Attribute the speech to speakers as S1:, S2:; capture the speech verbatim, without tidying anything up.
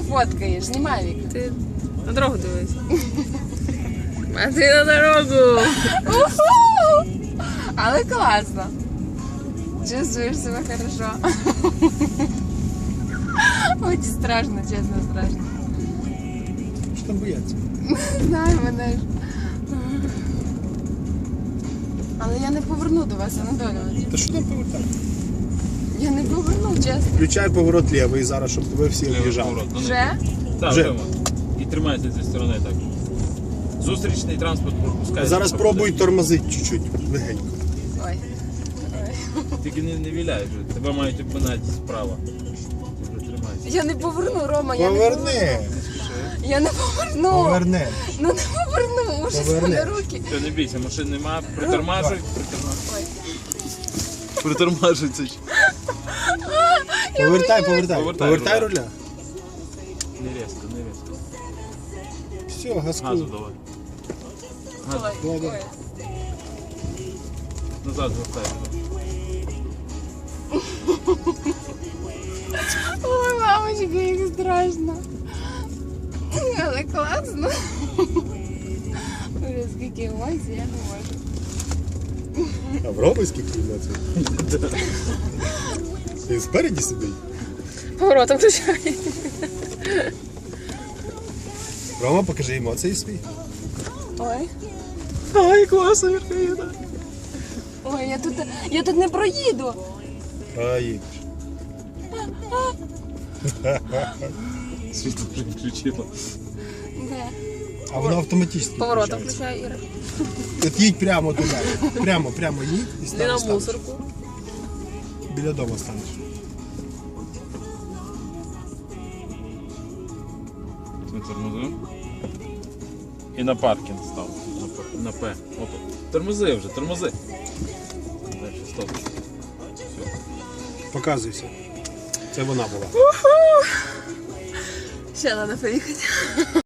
S1: фоткаєш? Знімай, Віка.
S2: Ти на дорогу дивись. А ти на дорогу.
S1: Але класно. Чувствуєш себе хорошо. Ой, страшно, чесно, страшно.
S3: Що там бояться?
S1: Не знаю, мене ж. Але я не поверну до вас, Анатолій.
S3: Та що там повертати?
S1: Я не поверну, чесно.
S3: Включай поворот лівий зараз, щоб тебе всі об'їжджали.
S1: Вже?
S4: Так,
S3: Вже.
S4: вже. І тримайся зі сторони так. Зустрічний транспорт пропускає.
S3: Зараз пробуй тормозити чуть-чуть, легенько.
S1: Ой.
S4: Тільки не, не віляй вже. Тебе мають обминати справа. Ти вже тримайся.
S1: Я не поверну, Рома, я не
S3: Поверни,
S1: поверну. Я не поверну.
S3: поверни.
S1: Ну не поверну, уже
S3: Поверни.
S1: мене руки.
S4: Все, не бійся, машин нема. Притормажуй. Притормажуй.
S1: Ой.
S4: Притормажуй це.
S3: Повертай, повертай.
S4: Повертай
S3: Повертай
S4: руля.
S3: руля.
S4: Не різко, не різко.
S3: Все,
S4: Газу
S3: газку.
S4: давай.
S1: Ой,
S4: Газу.
S3: Ладно.
S1: ой.
S4: Назад вертай.
S1: Ой, мамочка, як страшно. Але класно. Ой, скільки емоцій, я не можу.
S3: А в Роми скільки емоцій? Він спереді сидить.
S2: Поворотом включай.
S3: Рома, покажи емоції свої.
S1: Ой.
S3: Ай, класно, Вірка.
S1: Ой, я тут, я тут не проїду.
S3: А, їдеш.
S4: Світло вже включило.
S1: Де?
S3: А воно автоматично
S2: Поворотом
S3: включається.
S2: включай, Іра.
S3: От їдь прямо туди. Прямо, прямо їдь і
S2: Не
S3: стань,
S2: на
S3: станеш.
S2: мусорку.
S3: Біля дому станеш.
S4: Ми тормозимо. І на паркінг став. На П. На П. Опа. Тормози вже, тормози. Дальше, стоп. Все.
S3: Показуйся. Це вона була.
S2: Ще треба поїхати.